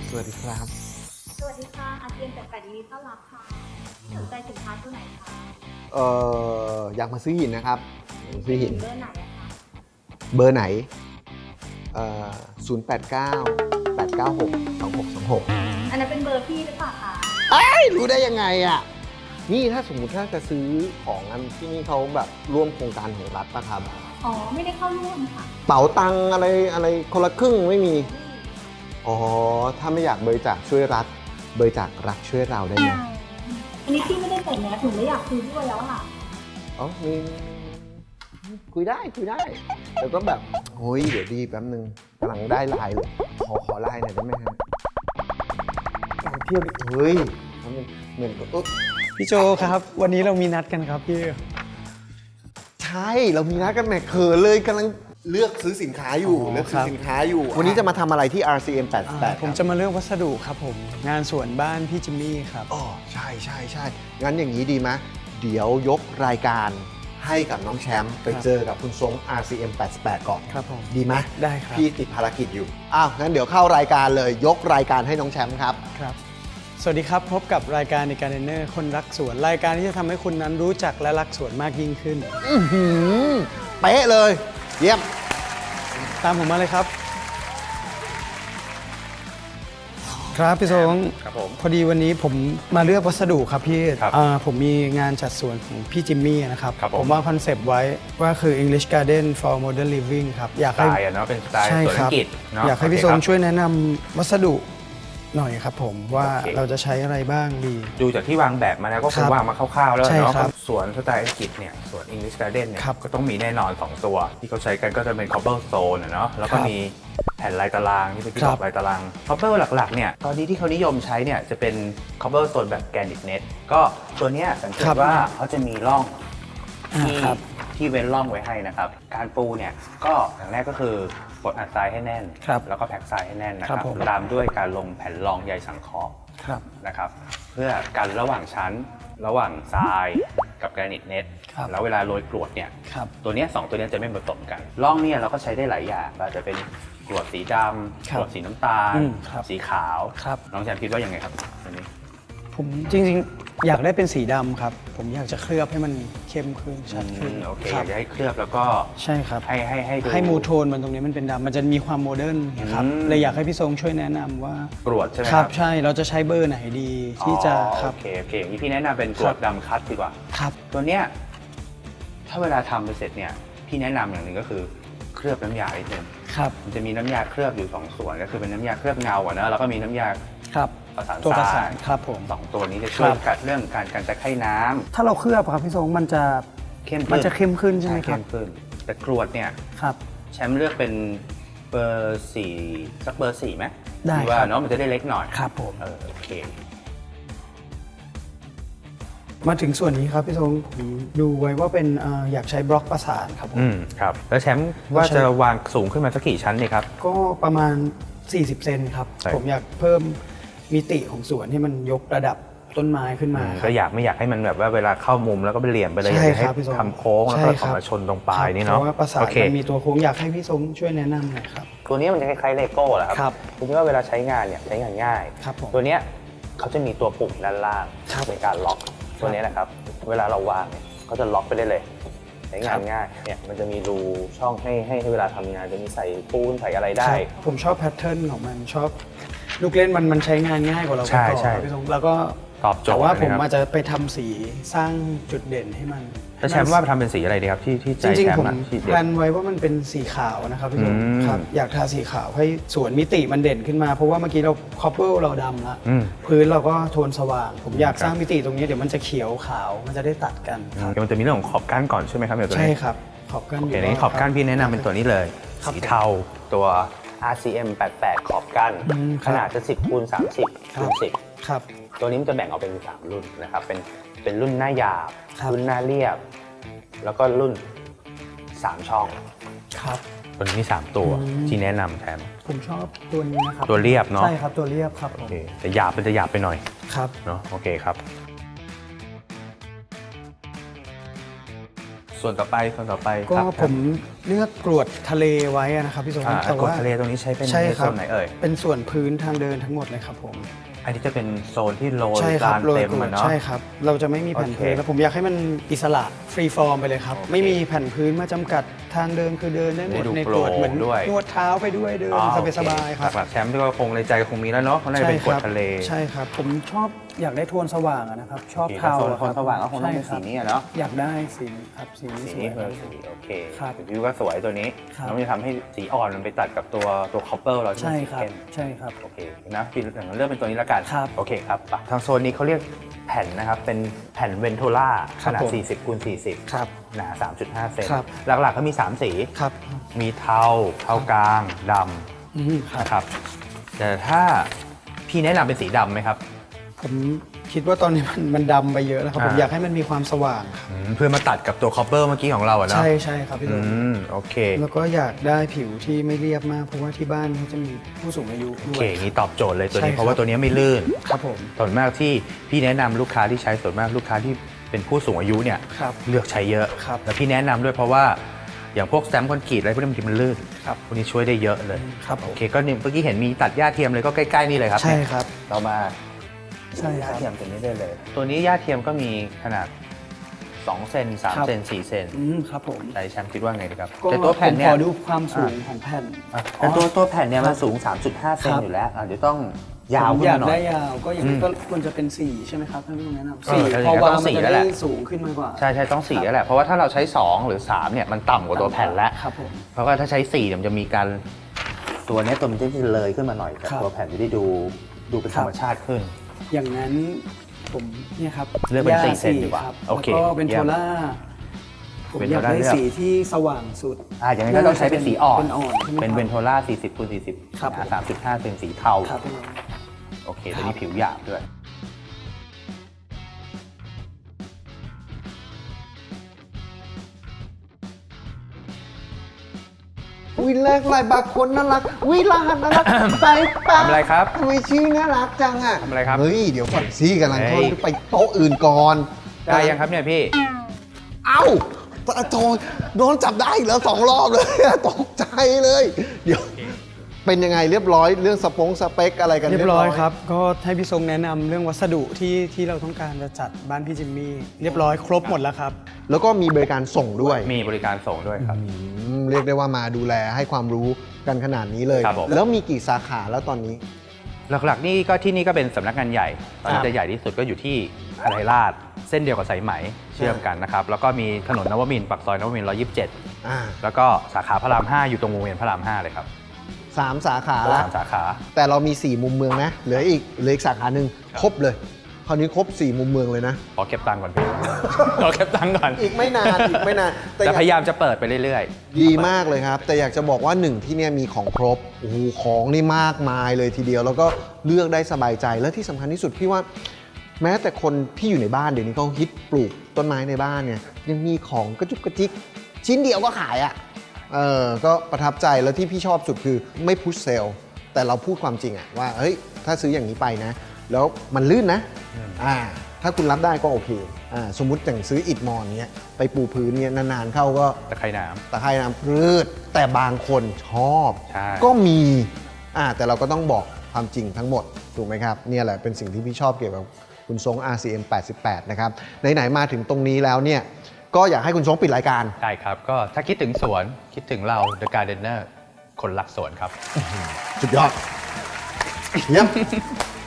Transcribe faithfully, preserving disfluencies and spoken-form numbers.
สวัสดีครับสวัสดีค่ะอาเซียนจากไก่ยินดีต้อนรับค่ะสนใจสินค้าตัวไหนคะเอ่ออยากมาซื้อหินนะครับซื้อหินเบอร์ไหนอะคะเบอร์ไหนเอ่อศูนย์แปดเก้าแปดเก้าหกสองหกสองหกอันนั้นเป็นเบอร์พี่หรือเปล่าคะเอ้ยรู้ได้ยังไงอ่ะนี่ถ้าสมมุติถ้าจะซื้อของอันที่นี่เขาแบบร่วมโครงการของรัฐป่ะครับอ๋อไม่ได้เข้าร่วมค่ะเป๋าตังอะไรอะไรคนละครึ่งไม่มีอ๋อถ้าไม่อยากบริจาคช่วยรัฐบริจาครัฐช่วยเราได้ไหมอันนี้พี่ไม่ได้ใส่แมสถึงไม่อยากคุยด้วยแล้วค่ะอ๋อมีคุยได้คุยได้แต่ก็แบบโอ้ยเดี๋ยวดีแป๊บนึงกำลังได้ไลน์เลยขอขอไลน์หน่อยได้ไหมฮะการเที่ยวดิเฮ้ยทำเป็นเหมือนกับพี่โจครับวันนี้เรามีนัดกันครับพี่ใช่เรามีนัดกันแหมเขินเลยกำลังเลือกซื้อสินค้าอยู่เลือกซื้อสินค้าอยู่วันนี้จะมาทำอะไรที่ อาร์ ซี เอ็ม แปดสิบแปดผมจะมาเลือกวัสดุครับผมงานสวนบ้านพี่จิมมี่ครับอ๋อใช่ใช่ใช่งั้นอย่างนี้ดีไหมเดี๋ยวยกรายการให้กับน้องแชมป์ไปเจอกับคุณทรง อาร์ ซี เอ็ม แปดสิบแปดก่อนครับผมดีไหมได้ครับพี่ติดภารกิจอยู่อ้าวงั้นเดี๋ยวเข้ารายการเลยยกรายการให้น้องแชมป์ครับครับสวัสดีครับพบกับรายการในการเดนเนอร์คนรักสวนรายการที่จะทำให้คุณนั้นรู้จักและรักสวนมากยิ่งขึ้นอื้อหือเป๊ะเลยเยี่ยมตามผมมาเลยครับครับพี่ทรงครับผมพอดีวันนี้ผมมาเลือกวัสดุครับพี่ครับผมมีงานจัดสวนของพี่จิมมี่นะครับครับผมผมวางคอนเซปต์ไว้ว่าคือ English Garden for Modern Living ครับอยากให้สไตล์อะเนาะเป็นสไตล์สวนอังกฤษเนาะอยากให้พี่ทรงโอเคครับช่วยแนะนำวัสดุหน่อยครับผมว่าโอเคเราจะใช้อะไรบ้างดีดูจากที่วางแบบมาแล้วก็คครังบวางมาคร่าวๆแล้วใช่เนาะครับสวนสไตล์อังกฤษเนี่ยสวน English Garden เนี่ยครับก็ต้องมีแน่นอน สอง ตัว ที่เขาใช้กันก็จะเป็น cobblestone อะเนาะแล้วก็ครับมีแผ่นลายตารางที่เป็นที่ครับบอกลายตาราง cobble หลักๆเนี่ยตอนนี้ที่เขานิยมใช้เนี่ยจะเป็น cobblestone แบบ granite net ก็ตัวเนี้ยสังเกตว่าเขาจะมีร่องอ่าที่ครับที่เว้นร่องไว้ให้นะครับการปูเนี่ยก็อย่างแรกก็คือกดอัดทรายให้แน่นครับแล้วก็แพ็กทรายให้แน่นนะคครัรับบผมตามด้วยการลงแผ่นรองใยสังเคราะห์ครับนะครับเพื่อกันระหว่างชั้นระหว่างทรายกับแกรนิตเน็ตครับแล้วเวลาโรยกรวดเนี่ยครับตัวเนี้ยสองตัวเนี้ยจะไม่ผสมกันร่องเนี่ยเราก็ใช้ได้หลายอย่างอาจจะเป็นกรวดสีดำครักบรวดสีน้ำตาลอืมครับสีขาวครับน้องแชมป์คิดว่ายังไงครับอันนี้ผมจริงๆอยากได้เป็นสีดำครับ ผมอยากจะเคลือบให้มันเข้มขึ้นชัดขึ้นโอเคคอรับยากจะให้เคลือบแล้วก็ใช่ครับให้ให้ให้ดูให้มูโทนมันตรงนี้มันเป็นดำมันจะมีความโมเดิร์นนะครับอืมเลยอยากให้พี่ทรงช่วยแนะนำว่ากรวดใช่ไหมคครัรับบ ใช่เราจะใช้เบอร์ไหนดีที่จะอ๋อครับโอเคโอเคอย่างนี้พี่แนะนำเป็นกรวดดำคัดดีกว่าครับตัวเนี้ยถ้าเวลาทำไปเสร็จเนี่ยพี่แนะนำอย่างหนึ่งก็คือเคลือบน้ำยาอีกนึงครับมันจะมีน้ำยาเคลือบอยู่สองส่วนก็คือเป็นน้ำยาเคลือบเงาอะนะแล้วก็มีน้ำยาครับประสานตัวประทสารายนครับผมสองตัวนี้จะช่วยครับกัดเรื่องการการตะไคร่น้ำถ้าเราเคลือบครับพี่ทรงมันจะเข้มขึ้นมันจะเข้มขึ้นใช่ไหมครัเข้บมขึ้นแต่กรวดเนี่ยครับแชมป์เลือกเป็นเบอร์สี่สักเบอร์สี่ไหมได้คิว่าครับเนาะมันจะได้เล็กหน่อยครับผมเออโอเคมาถึงส่วนนี้ครับพี่ทรงผมดูไว้ว่าเป็นเอ่ออยากใช้บล็อกประสานครับผมอืมครับแล้วแชมป์ว่าจะวางสูงขึ้นมาสักกี่ชั้นเนี่ยครับก็ประมาณ สี่สิบ เซนครับใช่ผมอยากเพิ่มมิติของสวนให้มันยกระดับต้นไม้ขึ้นมาคก็รับอยากไม่อยากให้มันแบบว่าเวลาเข้ามุมแล้วก็เป็นเหลี่ยมไปเลยใช่อยากให้ครับพี่ทรงทำโค้งแล้วใช่ก็ครัอบอกมาชนตรงปลายนี่เนาะเพราะว่าประสาโอน เคมันมีตัวโค้งอยากให้พี่ทรงช่วยแนะนำหน่อยครับตัวนี้มันจะคล้ายๆเลโก้แหละคครัรับ คุณคิดว่าเวลาใช้งานเนี่ยใช้งานง่ายครับผมตัวเนี้ยเขาจะมีตัวปุ่มด้านล่างครับในการล็อกตัวนี้นะครับ เวลาเราวางเนี่ยก็จะล็อกไปได้เลยใช้งาครันบง่ายเนี่ยมันจะมีรูช่องให้ให้ให้เวลาทำงานจะมีใส่ปูนใส่อะไรได้ครับผมชอบแพทเทิร์นของมันชอบลูกเล่นมันมันใช้งานง่ายกว่าเราใช่ไปก่อนใช่ครับพี่ทรงแล้วก็ตอบโจทแต่ย์ว่าผมนะครับอาจจะไปทำสีสร้างจุดเด่นให้มันแล้วแชมป์ว่าทำเป็นสีอะไรดีครับที่ที่ใจจริงแชๆ ผมป์อะที่แพเด็ลดนไว้ว่ามันเป็นสีขาวนะครับพี่ทรงอืมครับอยากทาสีขาวให้สวนมิติมันเด่นขึ้นมา เพราะว่าเมื่อกี้เราคอปเปิลเราดำละอืมพื้นเราก็โทนสว่าง ผมอยากครับสร้างมิติตรงนี้เดี๋ยวมันจะเขียวขาวมันจะได้ตัดกันครับเดี๋ยวมันจะมีเรื่องของขอบก้านก่อนใช่ไหมครับเดี๋ยวตัวใช่นี้ครับขอบกันโอเคนี้ขอบก้านพี่แนะนำเป็นตัวนี้เลยครับสีเทาตัว อาร์ ซี เอ็ม แปดสิบแปด ขอบก้านอืมคขรับนาดจะสิบคูณสามสิบครัคูบณสิบครับตัวนี้มันจะแบ่งออกเป็นสามรุ่นนะครับเป็นเป็นรุ่นหน้าหยาบครับรุ่นหน้าเรียบ แล้วก็รุ่นสามช่องครับตัวนี้มีสามตัวอืมที่แนะนำแทนผมชอบตัวนี้นะครับตัวเรียบเนาะใช่ครับตัวเรียบครับผโอมเคแต่หยาบมันจะหยาบไปหน่อยครับเนาะโอเคครับส่วนต่อไปส่วนต่อไปก็ครับผมเลือกกรวดทะเลไว้อะนะครับพี่สงอ่าแต่กดว่าทะเลตรงนี้ใช้เป็นใช่ในครัโซบนไหนเอ่ยเป็นส่วนพื้นทางเดินทั้งหมดเลยครับผมอันนี้จะเป็นโซนที่โรยใช่ครัลานโรยเต็มกรวมัดนเนาะใช่ครับ เราจะไม่มีแผ่นโอเคพื้นแล้วผมอยากให้มันอิสระฟรีฟอร์มไปเลยครับโอเคไม่มีแผ่นพื้นมาจำกัดทางเดินคือเดินได้หมได้ดดูในกรวดโปร่งเหมือนด้วยนวดเท้าไปด้วยเดินอ๋อสบายๆครับหลักๆแชมป์ที่ก็คงในใจคงมีแล้วเนาะเพราะน่าจะเป็นกรวดทะเลใช่ครับ ผมชอบอยากได้โทนสว่างอะนะครับ ชอบโอเคเทาโซนอะโทนสว่างก็คงต้องเป็นใช่สีรับนี้อะเนาะอยากได้สีนี้ครับสีนี้สีสวนี้ยคือสีโอเคครับวิวก็สวยตัวนี้ครับแล้วมันจะทำให้สีอ่อนมันไปตัดกับตัวตัวคอปเปอร์เราที่ใช่มันสีครับเข้มใช่ครับโอเคนะพี่อย่างนั้นเลือกเป็นตัวนี้แล้วกันครับโอเคครับไปทางโซนนี้เขาเรียกแผ่นนะครับเป็นแผ่นเวนโทล่าคขรับนาดผมสี่สิบคูณสี่สิบครับหนา สามจุดห้า เซนครับหลักๆก็มีสามสีครับมีเทาเทากลางดอืมคำรับนะครับแต่ถ้าพี่แนะนำเป็นสีดำไหมครับผมคิดว่าตอนนี้มันมันดำไปเยอะแล้วครับ ผมอ่าอยากให้มันมีความสว่างครับอืมเพื่อมาตัดกับตัวคอปเปอร์เมื่อกี้ของเราอะเนาะใช่ใช่ครับพี่อืตุ้มมโอเคแล้วก็อยากได้ผิวที่ไม่เรียบมาก เพราะว่าที่บ้านเขาจะมีผู้สูงอายุโอด้วเคยงี้ตอบโจทย์เลยตัวใช่นี้ครับเพราะว่าตัวนี้ไม่ลื่นครับผมส่วนมากที่พี่แนะนำลูกค้าที่ใช้ส่วนมากลูกค้าที่เป็นผู้สูงอายุเนี่ยครับเลือกใช้เยอะครับแล้วพี่แนะนำด้วยเพราะว่าอย่างพวกแซมคอนกรีตอะไรพวกนี้บางทีมันลื่นครับพวกนี้ช่วยได้เยอะเลยครับผโอมเคก็เนี่ยเมื่อกี้เห็นมีตัดหญ้าเทียมเลยก็ใกล้ๆนี่เลยครับใช่ครับเรามาใช่หคญ้ารับเทียมตัวนี้ได้เลย ตัวนี้หญ้าเทียมก็มีขนาดสองเซนสามครับเซนสี่เซนอืมครับผมใจแชมป์คิดว่าไงดีครับก็แต่ตัวแผ่นเนี่ผมยขอดูความสูงของแผ่นอ่ะแต่ตัวตัวแผ่นเนี่ยครัมันบสูง สามจุดห้า เซนครับอยู่แล้วอ่ะเดี๋ยวต้องยาวผมขึ้นอยากมาหน่อได้ยยาวก็อย่างอืนี้มก็ควรจะเป็นสี่ใช่ไหมครับท่านผู้ชมแนะนำเอสี่อถ้าอย่างพอนั้นก็วางต้องมันสี่จะแล้วแหได้ละสูงขึ้นมากกว่าใช่ใช่ต้องสี่แล้วแหละเพราะว่าถ้าเราใช้สองหรือสามเนี่ยมันต่ำกว่าตัวแผ่นแล้วครับผมเพราะว่าถ้าใช้สี่เนี่ยมันจะมีการตัวเนี้ยตัวมันจะเลยขึ้นมาหน่อยแต่ครับตัวแผ่นจะได้ดูดูเป็นคธรัรบรมชาติขึ้นอย่างนั้นผมเนี่ยครับเลือกเป็นย่าสี่เซนดีกว่าครับโอเคแล้วก็เป็นเยี่โทยมล่าผมเป็นอยากโทล่าได้เลือกสีที่สว่างสุดอ่าอย่างนั้นก็ต้องใช้เป็นสีอ่อนเป็นอ่อนใช่ไหมเป็นครับเวนโทล่าสี่สิบคูณสี่สิบครับผมสามจุดห้าเซนสีเทาครับพี่น้องโอเคตัวนี้ผิวหยาบด้วยวิแรกลายบางคนน่ารักวิลาหันน่ารักไปปะทำอะไรครับทำไมชื่อน่ารักจังอ่ะทำอะไรครับเฮ้ยเดี๋ยวก่อนซี่กำลังเฮ้โทยษไปโต๊ะอื่นก่อนได้ยังครับเนี่ยพี่เอ้าตะโจโดนจับได้อีกแล้วสองรอบเลย ตกใจเลย เดี๋ยว เป็นยังไงเรียบร้อยเรื่องสปงสเปคอะไรกันเรียบร้อยครับ ก็ให้พี่ทรงแนะนำเรื่องวัสดุที่ที่เราต้องการจะจัดบ้านพี่จิมมี่เรียบร้อยครบหมดแล้วครับแล้วก็มีบริการส่งด้วยมีบริการส่งด้วยครับอืมเรียกได้ว่ามาดูแลให้ความรู้กันขนาดนี้เลยครับผมแล้วมีกี่สาขาแล้วตอนนี้หลักๆนี่ก็ที่นี่ก็เป็นสำนักงานใหญ่ ตอนนี้ครับจะใหญ่ที่สุดก็อยู่ที่หาดไทยราชเส้นเดียวกับสายไหมเชื่อมกันนะครับ แล้วก็มีถนนนวมินทร์ปากซอยนวมินทร์หนึ่งร้อยยี่สิบเจ็ดอ่าแล้วก็สาขาพระรามห้าอยู่ตรงวงเวียนพระรามห้าเลยครับสามสาขาแล้วสามสาขาแต่เรามีสี่มุมเมืองนะ เหลืออีกเหลืออีกสาขาหนึ่งครบเลย คราวนี้ครบสี่มุมเมืองเลยนะขอเก็บตังค์ก่อนพี่ ขอเก็บตังค์ก่อนอีกไม่นานอีกไม่นานแต่แต่อยากพยายามจะเปิดไปเรื่อยดีมากเลยครับ แต่อยากจะบอกว่าหนึ่งที่เนี่ยมีของครบโอ้โหของนี่มากมายเลยทีเดียว แล้วก็เลือกได้สบายใจและที่สำคัญที่สุดพี่ว่า แม้แต่คนที่อยู่ในบ้านเดี๋ยวนี้เขาฮิตปลูกต้นไม้ในบ้านเนี่ยยังมีของกระจุกกระจิกชิ้นเดียวก็ขายอ่ะเออก็ประทับใจแล้วที่พี่ชอบสุดคือไม่พุชเซลแต่เราพูดความจริงอะว่าเฮ้ยถ้าซื้ออย่างนี้ไปนะ แล้วมันลื่นนะอ่าถ้าคุณรับได้ก็โอเคอ่าสมมุติอย่างซื้ออิฐมอนเนี้ยไปปูพื้นเนี่ยนานๆเข้าก็ๆตะไคร่น้ตะไคร่น้ำพืชแต่บางคนชอบใช่ก็มีอ่าแต่เราก็ต้องบอกความจริงทั้งหมดถูกไหมครับเนี่ยแหละเป็นสิ่งที่พี่ชอบเกี่ยวกับคุณทรง อาร์ ซี เอ็ม แปดสิบแปด นะครับไหนๆมาถึงตรงนี้แล้วเนี่ยก็อยากให้คุณทรงปิดรายการำได้ครับ ก็ถ้าคิดถึงสวนคิดถึงเรา The Gardener คนรักสวนครับสุดยอดเยี่ยม